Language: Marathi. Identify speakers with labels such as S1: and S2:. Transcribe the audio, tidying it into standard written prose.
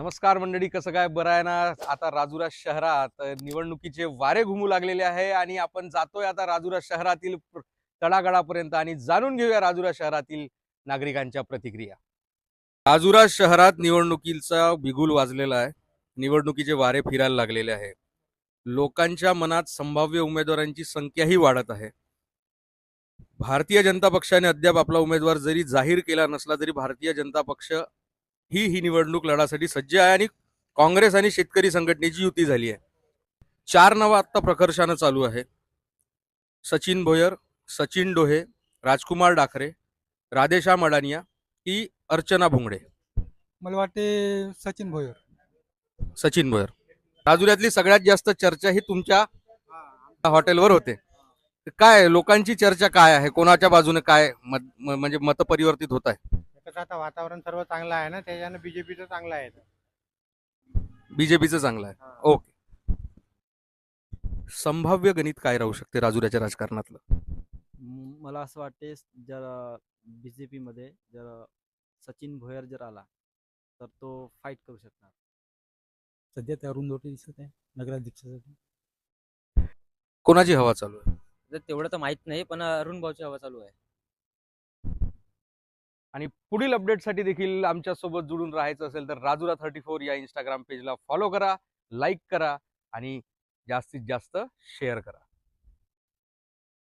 S1: नमस्कार मंडळी, कसं काय, बरं आहे ना? आता राजुरा शहरात निवडणुकीचे वारे घुमू लागलेले आहे आणि आपण जातोय आता राजुरा शहरातील तळागाळापर्यंत आणि जाणून घेऊया राजुरा शहरातील नागरिकांच्या प्रतिक्रिया. राजुरा शहरात निवडणुकीचा बिगुल वाजलेला आहे. निवडणुकीचे वारे फिरायला लागलेले आहे. लोकांच्या मनात संभाव्य उमेदवारांची संख्याही वाढत आहे. भारतीय जनता पक्षाने अद्याप आपला उमेदवार जरी जाहीर केला नसला तरी भारतीय जनता पक्ष ही निवडणूक लढासाठी सज्ज आहे आणि काँग्रेस आणि शेतकरी संघटनेची युती झाली आहे. 4 नावं आता प्रकर्षानं चालू आहे. सचिन भोयर, सचिन डोहे, राजकुमार डाखरे, राधेश्याम अडानिया की अर्चना भोंगडे.
S2: मला वाटते सचिन भोयर.
S1: सचिन भोयर. राजुऱ्यातली सगळ्यात जास्त चर्चा ही तुमच्या हॉटेलवर होते. काय लोकांची चर्चा काय आहे? कोणाच्या बाजूने काय म्हणजे मत परिवर्तित होत आहे?
S2: आता वातावरण सर्व चांगलं आहे ना, त्याच्यानं बीजेपीचं चांगलं आहे.
S1: बीजेपीचं चांगलं आहे. ओके. संभाव्य गणित काय राहू शकते राजुऱ्याच्या राजकारणातलं?
S3: मला असं वाटते जर बीजेपी मध्ये जर सचिन भोयर जर आला तर तो फाईट करू शकणार.
S2: सध्या त्या अरुण दोटे दिसत आहे नगराध्यक्षासाठी.
S1: कोणाची हवा चालू आहे?
S3: तेवढं तर माहित नाही, पण अरुण भाऊची हवा चालू आहे.
S1: आणि पुढील अपडेटसाठी देखील आमच्यासोबत जुळून राहायचं असेल तर राजुरा 34 या इंस्टाग्राम पेजला फॉलो करा, लाईक करा आणि जास्तीत जास्त शेअर करा.